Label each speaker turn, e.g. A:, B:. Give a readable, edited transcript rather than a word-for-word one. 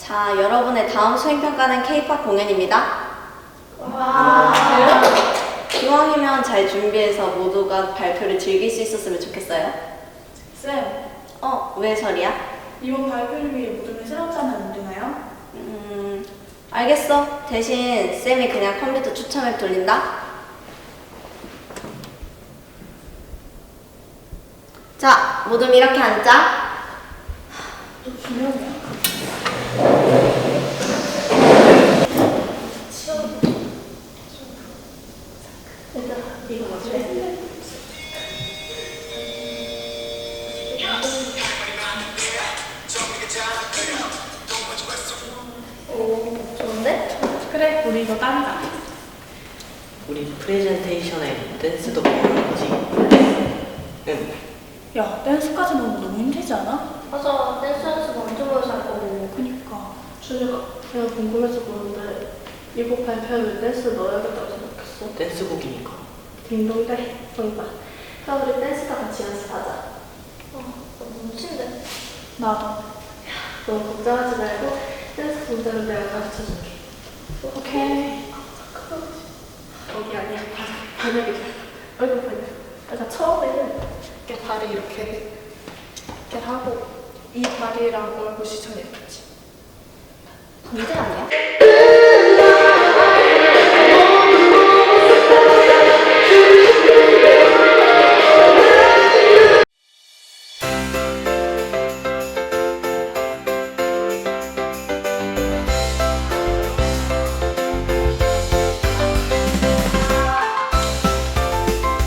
A: 자, 여러분의 다음 수행평가는 K-pop 공연입니다.
B: 와.
A: 기왕이면 잘 준비해서 모두가 발표를 즐길 수 있었으면 좋겠어요.
B: 쌤,
A: 왜 설이야?
B: 이번 발표를 위해 모두를 새롭지 않으면 안 되나요?
A: 알겠어. 대신 쌤이 그냥 컴퓨터 추첨 앱 돌린다. 자, 모두 이렇게 앉자.
B: 또 기념이야. 얘들아, 이거 맞지?
A: 오, 좋은데?
B: 그래, 우리 이거 딴다.
C: 우리 프레젠테이션에 댄스도 배우는 거지? 응.
B: 야, 댄스까지 넣으면 너무 힘들지 않아?
A: 맞아, 댄스 연습 엄청 오래 살 거고.
B: 그니까.
D: 준이가 내가 궁금해서 보는데 이곡 발표하면 댄스 넣어야겠다고 생각했어.
C: 댄스곡이니까.
D: 딩동대 정답. 그럼 우리 댄스 다 같이 연습하자.
A: 너무 친데.
B: 나도.
D: 너무 걱정하지 말고 댄스 동작은 내가 가르쳐줄게.
B: 오케이.
D: 거기 아니야. 반역이 돼. 얼굴 반역. 그러니까 처음에는 이렇게 다리 이렇게 하고 이 다리랑 얼굴 시선이 이렇게.
A: 문제 아니야?